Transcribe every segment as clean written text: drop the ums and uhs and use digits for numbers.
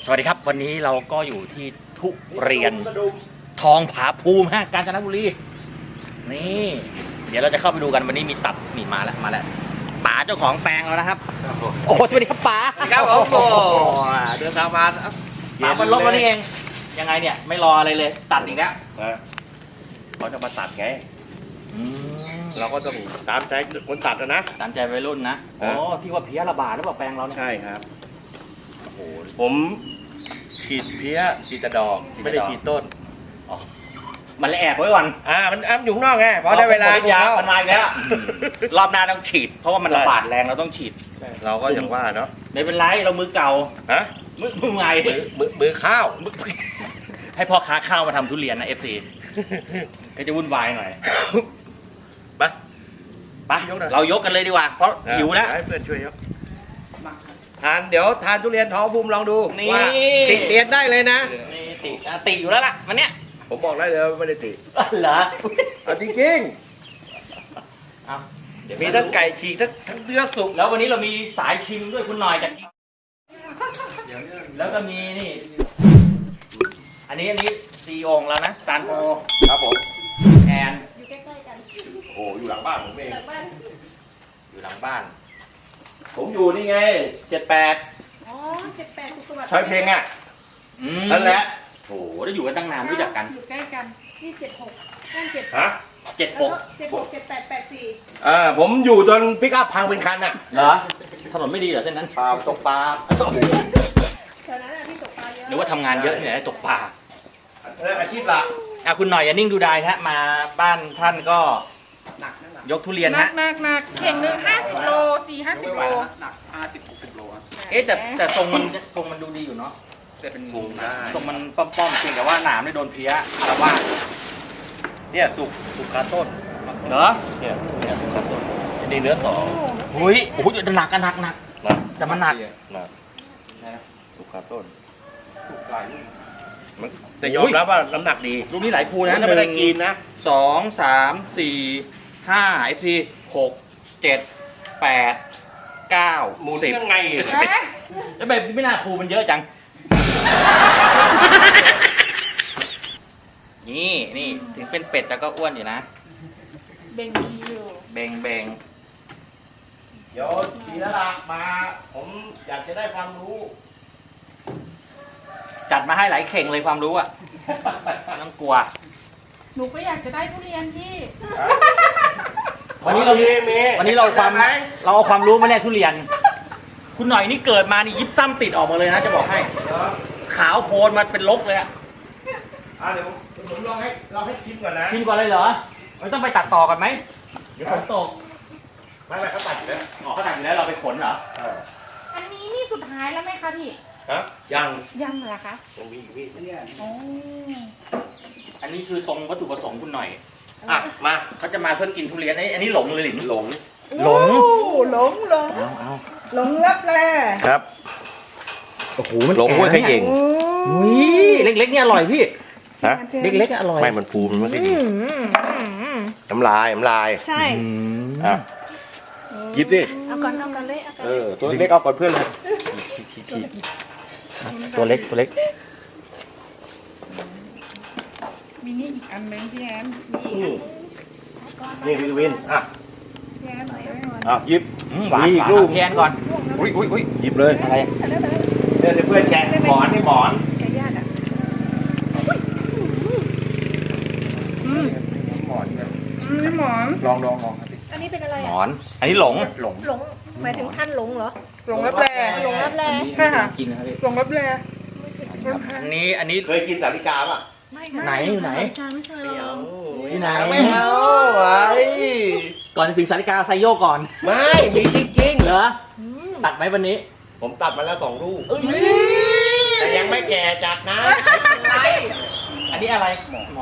สวัสดีครับวันนี้เราก็อยู่ที่ทุเรียนทองผาภูมิกาญจนบุรีนี่เดี๋ยวเราจะเข้าไปดูกันวันนี้มีตัดนี่มาแล้วป๋าเจ้าของแปลงแล้วนะครับโอ้สวัสดีครับป๋าครับผมโอ้เดินทางมาป๋ามันลบแล้วนี่เองยังไงเนี่ยไม่รออะไรเลยตัดอีกแล้วเขาจะมาตัดไงอืมเราก็ต้องตามใจคนตัดนะตามใจวัยรุ่นนะโอ้ที่ว่าเพี้ยระบาดหรือเปล่าแปลงเราเนี่ยใช่ครับโอ้โหผมฉีดเพี้ยฉีดแต่ดอกไม่ได้ฉีดต้นอ๋อมันเลยแอบไว้ก่อนมันอ้ำอยู่ข้างนอกไงพอได้เวลายามันมาอีกแล้วรอบหน้าต้องฉีด เพราะว่ามันระบาดแรงเราต้องฉีดเราก็อย่างว่าเนาะไม่เป็นไรเรามือเก่าฮะมือใหม่มือข้าวให้พ่อค้าข้าวมาทำทุเรียนนะ FC ก็จะวุ่นวายหน่อยไปไปเรายกกันเลยดีกว่า เพราะหิวแล้วให้เพื่อนช่วยยกเดี๋ยวทานทุเรียนท้องภูมิลองดูนี่ว่าติเรียนได้เลยนะนี่ติอยู่แล้วล่ะวันเนี้ยผมบอกได้เลยว่าไม่ได้ติเหรอเอาจริงเอาเดี๋ยวๆมีทั้งไก่ฉีกทั้งเนื้อสุกแล้ววันนี้เรามีสายชิมด้วยคุณหน่อยจากแล้วก็มีนี่อันนี้ซีองแล้วนะซานโฮครับผมแอนอยู่ใกล้ๆกันโอ้อยู่หลังบ้านผมเองหลังบ้านอยู่หลังบ้านผมอยู่นี่ไง78 อ๋อ78สุขสวัสดิ์ช้อยเพลงอ่ะอืมนั่นแหละโอ้โหได้อยู่กันตั้งนานรู้จักกันอยู่ใกล้กันนี่76นั่น7 ฮะ 76 78 ผมอยู่จนพิกอัพพังเป็นคันอ่ะเหรอถนนไม่ดีเหรอเส้นนั้นปลาตกปลา 84แถวนั้นน่ะที่ตกปลาเยอะหรือว่าทำงานเยอะเนี่ยตกปลาอาชีพหลักคุณหน่อยอย่านิ่งดูดายฮะมาบ้านท่านก็ยกทุเรียนหนัฮะกเข่งหนึง50 โล4-50 โลหนัก50-60 โลอะเอ๊ะแต่ทรงมันดูดีอยู่เนาะแต่เป็นสูงได้ทรงมันป้อมๆจริงแต่ว่าหนามไม่โดนเพี้ยแต่ว่าเนี่ยสุกคาต้นเหรอเนี่ยสุกคาต้นนี่เนื้อสองหุ้ยโอ้โหหนักกันหนักนะแต่มันหนักนะสุกคาต้นสุกหลายลูกแต่ยอมรับว่าน้ำหนักดีลูกนี้หลายภูนะถ้าไม่ได้กินนะ 2 3 4 5 FC 6 7 8 9 หมุน 10 ยังไงแล้วแบบไม่น่าภูมันเยอะจัง นี่ถึงเป็นเป็ดแต่ก็อ้วนอยู่นะเบ่งดีอยู่เบงเดี๋ยวทีละหลักมา ผมอยากจะได้ความรู้จัดมาให้หลายเข่งเลยความรู้อ่ะไม่ต้องกลัวหนูก็อยากจะได้ทุเรียนพี่วันนี้เรามีวันนี้เราเอาความรู้มาแลกทุเรียน คุณหน่อยนี่เกิดมานี่ยิบซ้ำติดออกมาเลยนะจะบอกให้ ขาวโพลนมาเป็นลกเลยอะเดี๋ยวผมลองให้ชิมก่อนนะชิมก่อนเลยเหรอไม่ต้องไปตัดต่อกันไหมเดี๋ยวฝนตกไม่เขาตัดอยู่แล้วอ๋อเขาตัดอยู่แล้วเราไปขนเหรออันนี้นี่สุดท้ายแล้วไหมคะพี่ฮะยังยังเหรอคะยังมีอีกพี่อ๋ออันนี้คือตรงวัตถุประสงค์คุณหน่อยมาเขาจะมาเพื่อกินทุเรียนอันนี้หลงเลยหลินหลงหลงหลงหลงรับแลครับโอ้โหมันหลงห้วยขยิงอุ้ยเล็กๆเนี่ยอร่อยพี่ฮะเล็กๆอร่อยไม่มันภูมิมันไม่ค่อยดีน้ำลายใช่อ่ะหยิบดิเอาก่อนเลยเอาก่อนตัวเล็กเอาก่อนเพื่อนเลยตัวเล็กมีนี่อีกอันนึงพี่แอนนี่พี่วินพี่แอนหน่อยไว้ก่อนหยิบหวานมีหอีวาก นลูกแทนก่อนอุ้ยหยิบเลยอะไรเนี่ยเพื่อนแกะหมอนนี่หมอนแกญาติอ่ะหมอนเนี่ยนี่หมอนลองครับอันนี้เป็นอะไรหมอ่ะอน อันนี้หลงหลงหลงหมายถึงท่านหลงเหรอหลงรับแลหลงรับแลใช่ค่ะกินนะครับพี่หลงรับแลอันนี้เคยกินสาลิกาป่ะไหนอยู่ไหนไม่เคยลองที่ไหนไม่เอาไว้ก่อนจะถึงสาริกาไซโยกก่อนไม่มีจริงเหรอตัดไหมวันนี้ๆผมตัดมาแล้ว2 ลูกแต่ยังไม่แก่จัดนะอันนี้อะไรหมอนห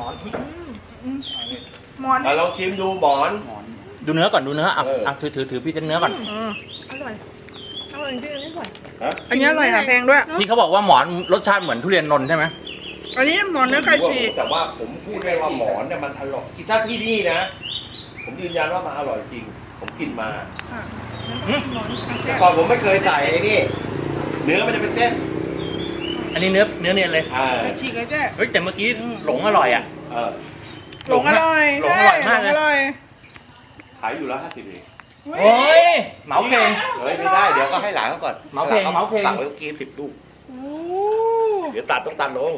มอนเราลองชิมดูหมอนดูเนื้อก่อนดูเนื้ออ่ะเอออ่ะถือพี่จะเนื้อก่อนอร่อยอร่อยจริงอันนี้อร่อยฮะอันนี้อร่อยค่ะแพงด้วยพี่เขาบอกว่าหมอนรสชาติเหมือนทุเรียนนนท์ใช่ไหมอันนี้หมอนเนื้อไก่ฉีกแต่ว่าผมพูดได้ว่าหมอนเนี่ยมันอร่อยถ้าที่นี่นะ ผมยืนยันว่ามันอร่อยจริง ผมกินมาแต่ก่อนผมไม่เคยใส่ไอ้นี่ เนื้อมันจะเป็นเส้นอันนี้เนื้อเนียนเลยไก่ฉีกเลยเจ๊เฮ้ยแต่เมื่อกี้หลงอร่อยอ่ะเออหลงอร่อยหลงอร่อยมากเลยหลงอร่อยขายอยู่แล้ว50เองโอ้ยเหมาเพลงเฮ้ยไม่ได้เดี๋ยวก็ให้หลานเขาก่อนเหมาเพลงเหมาเพลงตักไว้เมื่อกี้10 ลูกโอ้เดี๋ยวตัดต้องตัดลง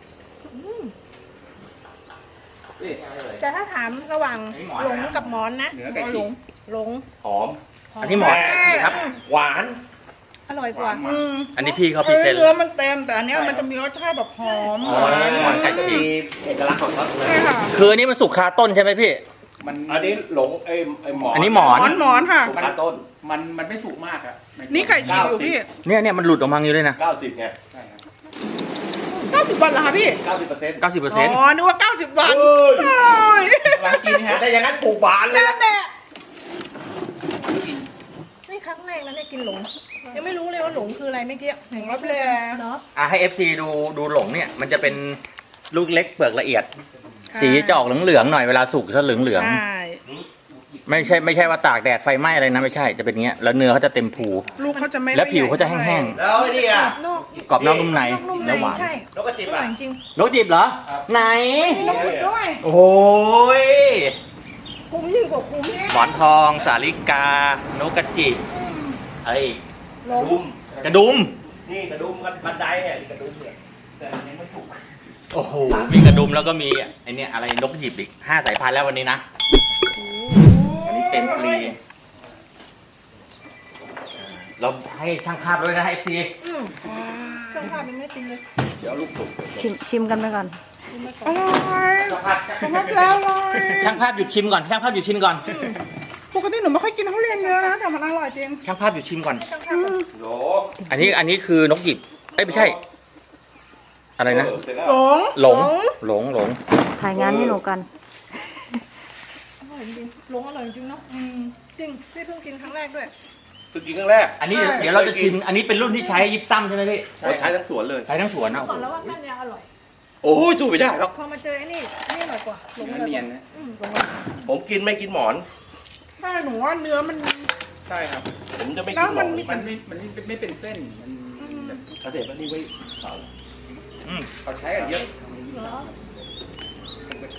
แต่ถ้าถามระหว่างหลงกับหมอนนะเนื้อไก่เอาฉีหลกงหลงหอมอันนี้หมอนครับหวานอร่อยกว่าอันนี้พี่เขาพรีเซนต์เนื้อมันเต็มแต่อันเนี้ยมันจะมีรสชาติแบบหอมอ๋อหวานไก่ฉีมีเอกลักษณ์ของเขาเลยใช่ค่ะคืออันนี้มันสุกคาต้นใช่ไหมพี่มันอันนี้หลงไอ้หมอนอันนี้หมอนหมอนค่ะสุกขาต้นมันไม่สุกมากอะนี่ไก่ฉีกอยู่พี่เนี่ยมันหลุดออกมาอยู่เลยนะ 90ไงใช่ครับ 90 วันเหรอคะพี่ 90% อ๋อนึกว่า90 วันเอ้ยโอ้ยร้านกินนี่ฮะแต่อย่างนั้นปลูกหวานเลยนั่นแหละนี่ครั้งแรกนะเนี่ยกินหลง ยังไม่รู้เลยว่าหลงคืออะไรเมื่อกี้หนึ่งรับแลเนาะให้ FC ดูหลงเนี่ยมันจะเป็นลูกเล็กเปลือกละเอียด สีจะออกเหลืองๆหน่อยเวลาสุกจะเหลืองใช่ๆไม่ใช่ว่าตากแดดไฟไหม้อะไรนะไม่ใช่จะเป็นอย่างเงี้ยแล้วเนื้อเขาจะเต็มภูลูกเขาจะไม่แล้วผิวเขาจะแห้งแล้วไอ้นี่อ่ะนอกๆกรอบนอกนุ่มในนอกนุ่มในเนื้อหวานใช่นกกระจิบอร่ออ่ะยจริงนกจีบเหรอ ไหนมีน้ำพริกด้วยโอ้ยคุ้มยิ่งกว่าคุ้มหมอนทองสาลิกานกกระจิบเอ้ยหลงดุมกระดุมนี่กระดุมกันบันไดเนี่ยนี่กระดุมเนี่ยแต่อันนี้ไม่สุกโอ้โหมีกระดุมแล้วก็มีไอเนี่ยอะไรนกกระจิบอีก5 สายพันธุ์แล้ววันนี้นะอันนี้เต็มฟรีเราให้ช่างภาพด้วยนะ FC เครื่องภาพยังไม่กินเลยเดี๋ยวลูกสุกชิมกันไปก่อนอร่อยช่างภาพสำหรับแล้วอร่อยช่างภาพหยุดชิมก่อนช่างภาพหยุดชิมก่อนปกติหนูไม่ค่อยกินทุเรียนเยอะนะแต่มันอร่อยจริงช่างภาพหยุดชิมก่อนให้ช่างภาพก่อนโหลอันนี้คือนกหยิบเอ้ยไม่ใช่ อะไรนะเสร็จแล้วหลงหลงถ่ายงานให้หนูกันอร่อยจริงหลงอร่อยจริงเนาะจริงพี่เพิ่งกินครั้งแรกด้วยเพิ่งกินครั้งแรกอันนี้เดี๋ยวเราจะชิมอันนี้เป็นรุ่นที่ใช้ยิบซ้ำใช่ไหมพี่โอ้ยใช้ทั้งสวนเลยใช้ทั้งสวนนะก่อนแล้วว่าก้านยาวอร่อยโอ้ยสู้ไม่ได้หรอกพอมาเจอไอ้นี่นี่อร่อยกว่าหลงเนื้ออร่อยเนีกยนว่านะหลงผมกินไม่กินหมอนใช่หนูว่าเนื้อมันใช่ครับผมจะไม่แล้กิวนหมมัอน นมันไม่เป็นเส้น มันแบบเกษตรมันนี่ไว้เสาเขาใช้กันเยอะเหรอผมก็ใช้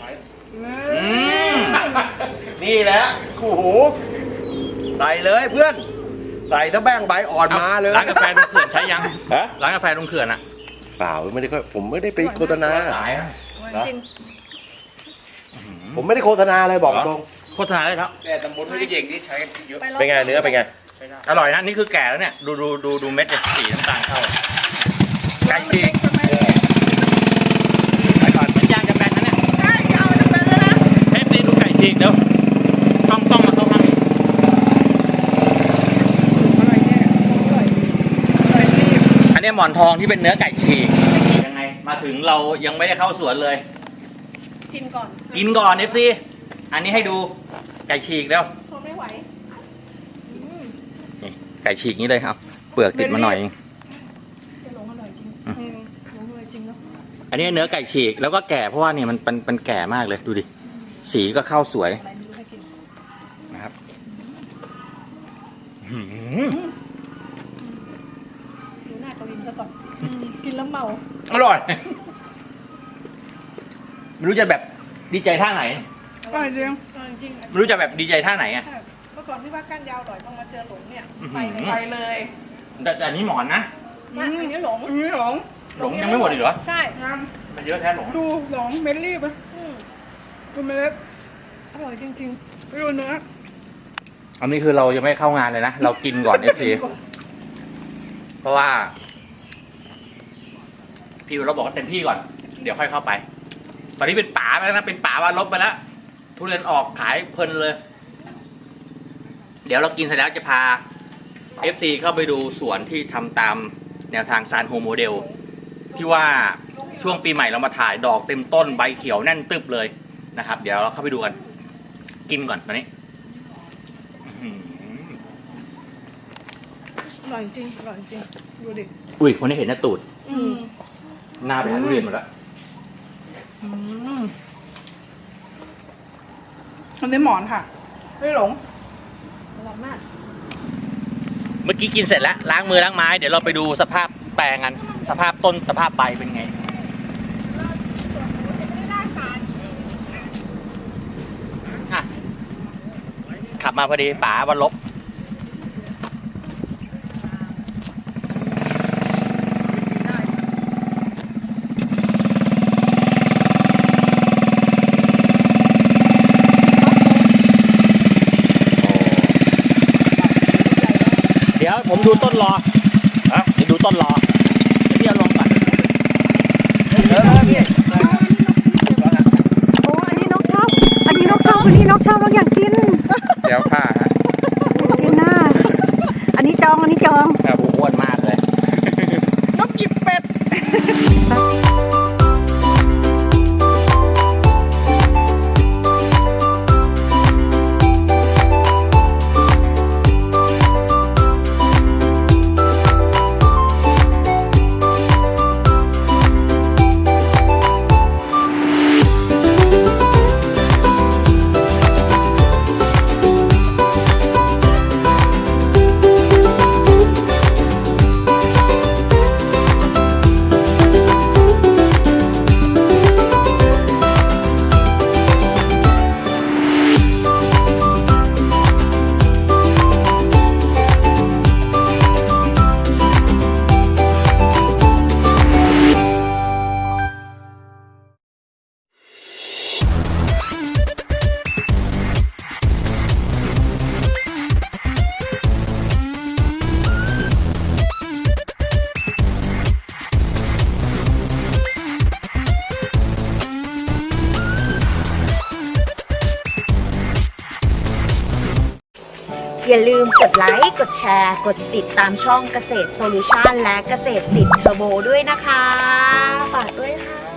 นี่แหละคู่หูใส่เลยเพื่อน ใส่ถ้าแบ่งใบอ่อนมาเลยร้านกาแฟตรงเขื่อนใช้ยังฮะร้านกาแฟตรงเขื่อนอะเปล่าไม่ได้ผมไม่ได้ไปโฆษณาขายอะอร่อยจริงผมไม่ได้โฆษณาอะไรบอกตรงโฆษณาได้แล้วแต่ตำบลไม่ได้เย่งนี่ใช้กันเยอะลองเป็นไงเนื้อเป็นไงใช้ได้อร่อยนะนี่คือแก่แล้วเนี่ยดูเม็ดเนี่ยสีน้ำตาลเข้าไก่ฉีกไปก่อนมันย่างจะแบนนะเนี่ยใช่จะเอาจะเป็นแล้วนะเทปนี้ดูไก่ฉีกเดี๋ยวต้องมาเข้าข้างนี้อร่อยแน่อร่อยอร่อยรีบอันนี้หมอนทองที่เป็นเนื้อไก่ฉีกยังไงมาถึงเรายังไม่ได้เข้าสวนเลยกินก่อนกินก่อน FC อันนี้ให้ดูไก่ฉีกเดี๋ยวทนไม่ไหวนี่ไก่ฉีกนี้เลยครับเปลือกติดมาหน่อยจะหลงอร่อยจริงหลงอร่อยจริงเนาะอันนี้เนื้อไก่ฉีกแล้วก็แก่เพราะว่าเนี่ยมันแก่มากเลยดูดิสีก็เข้าสวยอะไรไม่รู้ให้กินนะครับดูหน้ากวินซะก่อนกินแล้วเมาอร่อยไม่รู้จะแบบดีใจท่าไหนอร่อยจริงอร่อยจริงไม่รู้จะแบบดีใจท่าไหนอ่ะใช่เมื่อก่อนที่ว่าก้านยาวอร่อยต้องมาเจอหลงเนี่ยไปเลยไปเลยแต่อันนี้หมอนนะมาอันนี้หลงอันนี้หลงหลงยังไม่หมดอีกเหรอใช่ยังมันเยอะแท้หลงดูหลงเม็ดรีบอะอืมดูเม็ดเล็บอร่อยจริงดูเนื้ออันนี้คือเรายังไม่เข้างานเลยนะเรากินก่อน FC เพราะว่าพี่เราบอกว่าเต็มที่ก่อน เดี๋ยวค่อยเข้าไป ตอนนี้เป็นป่าไปแล้วนะเป็นป่าว่าลบไปแล้วทุเรียนออกขายเพลินเลย เดี๋ยวเรากินเสร็จแล้วจะพา FC เข้าไปดูสวนที่ทำตามแนวทางซานโฮโมเดลที่ว่าช่วงปีใหม่เรามาถ่ายดอกเต็มต้นใบเขียวแน่นตึบเลยนะครับ เดี๋ยวเราเข้าไปดูกัน กินก่อนตอนนี้อื้อหือๆอร่อยจริงอร่อยจริงดูดิอุ้ยคนนี้เห็นหน้าตูดอืมหน้าไปหาทุเรียนหมดแล้วอันนี้หมอนค่ะไม่หลงอร่อยมากเมื่อกี้กินเสร็จแล้วล้างมือล้างไม้เดี๋ยวเราไปดูสภาพแปลงกันมันสภาพต้นสภาพใบเป็นไงอ่ะขับมาพอดีป๋าวันลบเดี๋ยวผมดูต้นรอฮะเดี๋ยวดูต้นรอเดี๋ยวพี่เอาลงก่อนโอ้อันนี้นกชอบ อันนี้นกชอบ อันนี้นกชอบนกอยากกินเดี๋ยวผ้าฮะอยากกินน่ะอันนี้จอง อันนี้จองครับอ้วนมากเลยนกกิบเป็ดอย่าลืมกดไลค์ กดแชร์ กดติดตามช่องเกษตรโซลูชันและเกษตรติดเทอร์โบด้วยนะคะ ฝากด้วยค่ะ